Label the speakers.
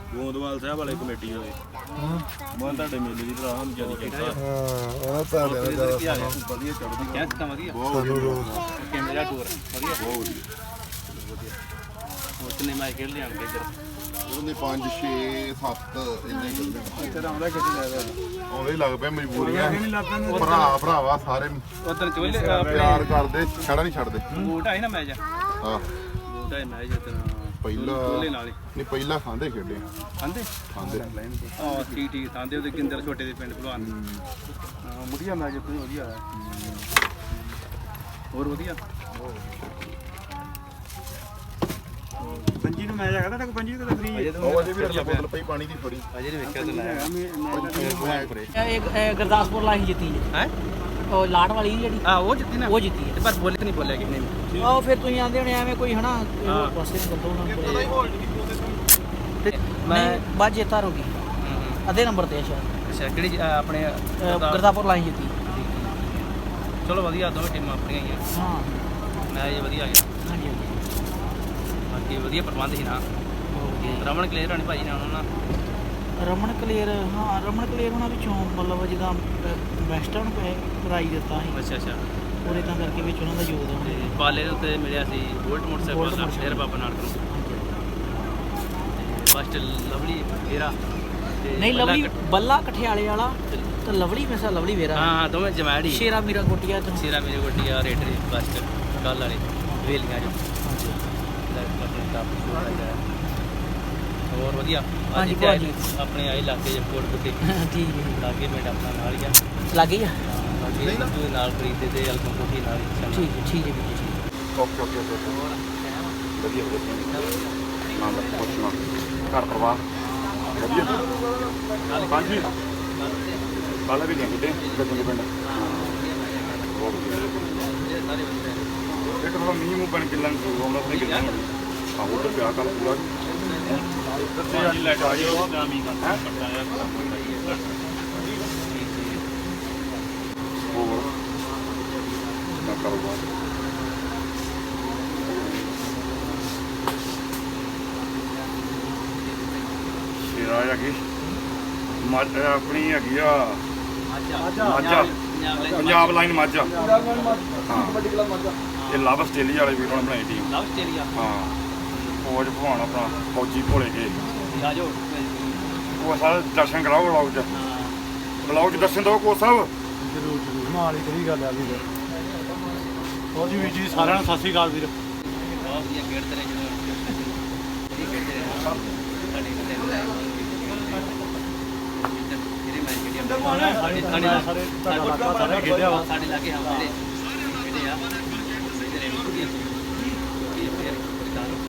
Speaker 1: ਗੋਂਦਵਾਲ ਸਾਹਿਬ ਵਾਲੇ ਕਮੇਟੀ ਵਾਲੇ ਮੈਂ ਤੁਹਾਡੇ ਮੇਲੇ ਦੀ ਭਰਾ ਹਮ ਜਾਰੀ ਕੀਤਾ
Speaker 2: ਉਹਨਾਂ ਤਾਂ
Speaker 1: ਵਧੀਆ ਚੜ੍ਹਦੀ
Speaker 3: ਕਿਆ ਵਧੀਆ
Speaker 2: ਕੈਮਰਾ
Speaker 3: ਟੂਰ ਵਧੀਆ
Speaker 1: ਬਹੁਤ
Speaker 3: ਹੋਰ ਕਿੰਨੇ ਮੈਚ ਖੇਡ ਲਿਆਣਗੇ ਇੱਧਰ
Speaker 2: ਉਹਨੇ 5 6 7 ਇੰਨੇ ਕਰਦੇ
Speaker 1: ਇੱਧਰ ਆਉਂਦਾ ਕਿੱਥੇ ਜਾਦਾ
Speaker 2: ਆਉਂਦੇ ਲੱਗ ਪਿਆ ਮਜਬੂਰੀਆਂ ਭਰਾਵਾ ਸਾਰੇ
Speaker 3: ਉਧਰ ਚੋਲੇ
Speaker 2: ਪਿਆਰ ਕਰਦੇ ਛੜਾ ਨਹੀਂ ਛੱਡਦੇ
Speaker 3: ਬੂਟ ਆਈ ਨਾ ਮੈਚ
Speaker 2: ਹਾਂ
Speaker 3: ਬੂਟ ਆਈ ਮੈਚ ਉਧਰ
Speaker 2: ਪਹਿਲਾ
Speaker 3: ਚੋਲੇ ਨਾਲ ਹੀ
Speaker 2: ਨਹੀਂ ਪਹਿਲਾ ਖਾਂਦੇ ਖੇਡੇ
Speaker 3: ਖਾਂਦੇ
Speaker 2: ਖਾਂਦੇ
Speaker 3: ਹਾਂ ਠੀਕ ਖਾਂਦੇ ਉਹਦੇ ਕਿੰਦਰ ਛੋਟੇ ਦੇ ਪਿੰਡ ਭਲਵਾਨ
Speaker 1: ਵਧੀਆ ਮੈਚ ਉੱਥੇ ਵਧੀਆ ਆਇਆ
Speaker 3: ਹੋਰ ਵਧੀਆ
Speaker 1: ਪੰਜੀ ਨੂੰ ਮੈਚ ਹੈਗਾ ਤਾਂ ਪੰਜੀ ਕਿਤੇ ਫ੍ਰੀ ਹੈ
Speaker 2: ਉਹ ਅਜੇ ਵੀ ਰੱਖਿਆ ਬੋਤਲ ਪਈ ਪਾਣੀ ਦੀ ਫੜੀ
Speaker 3: ਅਜੇ ਨਹੀਂ ਵੇਖਿਆ ਤੇ
Speaker 4: ਇਹ ਗੁਰਦਾਸਪੁਰ ਲਾਹੀ ਜਿੱਤੀ ਹੈ ਉਹ ਲਾੜ ਵਾਲੀ ਜਿਹੜੀ
Speaker 3: ਆ ਉਹ ਜਿੱਤੀ ਨਾ
Speaker 4: ਉਹ ਜਿੱਤੀ ਹੈ
Speaker 3: ਪਰ ਬੋਲੇ ਨਹੀਂ ਬੋਲਿਆ ਕਿਨੇ ਵੀ
Speaker 4: ਉਹ ਫਿਰ ਤੁਸੀਂ ਆਂਦੇ ਹੋਣੇ ਐਵੇਂ ਕੋਈ ਹਨਾ ਪਾਸੇ ਨੂੰ ਗੱਲੋਂ ਨਾ ਮੈਂ ਬਾਅਦ ਜੇਤਾ ਹੋ ਗਈ ਅੱਧੇ ਨੰਬਰ ਤੇ ਸ਼ਾਇਦ
Speaker 3: ਅੱਛਾ ਕਿਹੜੀ ਆਪਣੇ
Speaker 4: ਗੁਰਦਾਸਪੁਰ ਲਾਹੀ ਜਿੱਤੀ
Speaker 3: ਚਲੋ ਵਧੀਆ ਦੋਵੇਂ ਟੀਮਾਂ ਆਪਣੀਆਂ ਹੀ ਆ
Speaker 4: ਹਾਂ
Speaker 3: ਮੈਚ ਵਧੀਆ ਗਿਆ
Speaker 4: ਹਾਂਜੀ
Speaker 3: ਬਾਕੀ ਵਧੀਆ ਪ੍ਰਬੰਧ ਸੀ ਨਾ ਰਮਨ ਕਲੇਰ ਹੋਣੀ ਭਾਜੀ ਨਾਲ ਉਹਨਾਂ
Speaker 4: ਰਮਨ ਕਲੇਰ ਹਾਂ ਰਮਨ ਕਲੇਰ ਉਹਨਾਂ ਵਿੱਚੋਂ ਮਤਲਬ ਜਿੱਦਾਂ ਵੈਸਟਰਨ ਨੂੰ ਪ੍ਰਾਈਜ਼ ਦਿੱਤਾ ਸੀ
Speaker 3: ਅੱਛਾ ਅੱਛਾ
Speaker 4: ਉਹਦੇ ਤਾਂ ਕਰਕੇ ਵਿੱਚ ਉਹਨਾਂ ਦਾ ਯੋਗਦਾਨ
Speaker 3: ਤੇ ਪਾਲੇ ਦੇ ਉੱਤੇ ਮਿਲਿਆ ਸੀ ਬੋਲਟ ਮੋਟਰਸਾਈਕਲ ਦਾ ਸ਼ੇਰ ਬਾਬਾ ਨਾਲ ਫਸਟ ਲਵਲੀ ਵੇਰਾ
Speaker 4: ਨਹੀਂ ਲਵਲੀ ਬੱਲਾ ਕਠਿਆਲੇ ਵਾਲਾ ਤੇ ਲਵਲੀ ਮੈਸਾ ਲਵਲੀ ਵੇਰਾ
Speaker 3: ਹਾਂ ਦੋਵੇਂ ਜਮੈੜੀ
Speaker 4: ਸ਼ੇਰਾ ਮੀਰਾ ਕੋਟੀਆ ਤੇ
Speaker 3: ਸ਼ੇਰਾ ਮੇਰੇ ਕੋਟੀਆ ਰੇਟਰੀ ਫਸਟ ਕੱਲ ਵਾਲੇ ਵੇਲੀਆਂ ਜੋ ਹੋਰ ਵਧੀਆ
Speaker 4: ਹਾਂਜੀ
Speaker 3: ਆਪਣੇ ਆਏ ਇਲਾਕੇ ਚ ਕੋਟ ਕੁੱਟੀ
Speaker 4: ਠੀਕ ਹੈ
Speaker 3: ਲਾਗੇ ਮਿੰਟ ਆਪਣਾ ਨਾਲ ਹੀ ਆ
Speaker 4: ਲੱਗ ਗਈ ਆ
Speaker 3: ਬਾਕੀ ਤੂੰ ਨਾਲ ਖਰੀਦਦੇ ਤੇ ਅਲਕਮ ਕੋਠੀ ਨਾਲ ਹੀ
Speaker 4: ਠੀਕ ਹੈ ਵੀਰ ਜੀ
Speaker 2: ਓਕੇ ਵਧੀਆ ਨਾਲ ਦਾ ਪੁੱਛਣਾ ਘਰ ਪਰਿਵਾਰ ਵਧੀਆ ਹਾਂਜੀ ਬਾਲਾ ਵੀ ਨਹੀਂ ਕਿਤੇ ਗੱਜੇ ਪਿੰਡ ਬਹੁਤ ਵਧੀਆ ਇੱਕ ਥੋੜਾ ਮੀਂਹ ਮੂੰਹ ਬਣ ਕੇ ਲੰਘ ਹੋਣਾ ਆਪਣੇ ਕਿੰਨਾ ਹਾਂ ਉਹ ਤਾਂ ਪਿਆ ਕੱਲ ਪੂਰਾ ਤੇ ਅੱਜ ਲੈ ਕੇ ਆਇਓ ਨਾ ਮੀਂਹ ਦਾ ਪੱਟਾ ਯਾਰ ਹੋਰ ਨਾ ਕਾਰੋਬਾਰ ਸ਼ੇਰਾ ਹੈਗੀ ਆਪਣੀ ਹੈਗੀ ਆ ਮਾਝਾ ਪੰਜਾਬ ਲਾਈਨ ਮਾਝਾ ਹਾਂ ਇਹ ਲਵ ਆਸਟ੍ਰੇਲੀਆ ਵਾਲੇ ਵੀਰਾਂ ਨੇ ਬਣਾਈ ਟੀਮ
Speaker 3: ਲਵ ਆਸਟ੍ਰੇਲੀਆ
Speaker 2: ਹਾਂ ਫੌਜ ਭਵਾਨ ਆਪਣਾ ਫੌਜੀ ਭੋਲੇ ਕੇ
Speaker 3: ਆ ਜਾਓ
Speaker 2: ਉਹ ਸਾਰਾ ਦਰਸ਼ਨ ਕਰਾਓ ਬਲੌਗ 'ਚ ਦਰਸ਼ਨ ਦਿਓ ਕੋ ਸਾਹਿਬ
Speaker 1: ਜ਼ਰੂਰ ਨਾਲ ਹੀ ਕਹੀ ਗੱਲ ਆ ਵੀਰ ਹੋਰ ਜੀ ਵੀਰ ਜੀ ਸਾਰਿਆਂ ਨੂੰ ਸਤਿ ਸ਼੍ਰੀ ਅਕਾਲ ਵੀਰ
Speaker 3: ਬਹੁਤ ਵਧੀਆ ਖੇਡਦੇ ਨੇ ਜਦੋਂ ਖੇਡਦੇ ਨੇ ਸਾਡੀ ਜਿਹੜੇ ਮੈਚ ਖੇਡਿਆ
Speaker 1: ਸਾਰੇ ਖੇਡਿਆ ਵਾ
Speaker 3: ਸਾਡੇ ਲਾਗੇ ਹਾਂ ਜਿਹੜੇ ਖੇਡੇ ਆ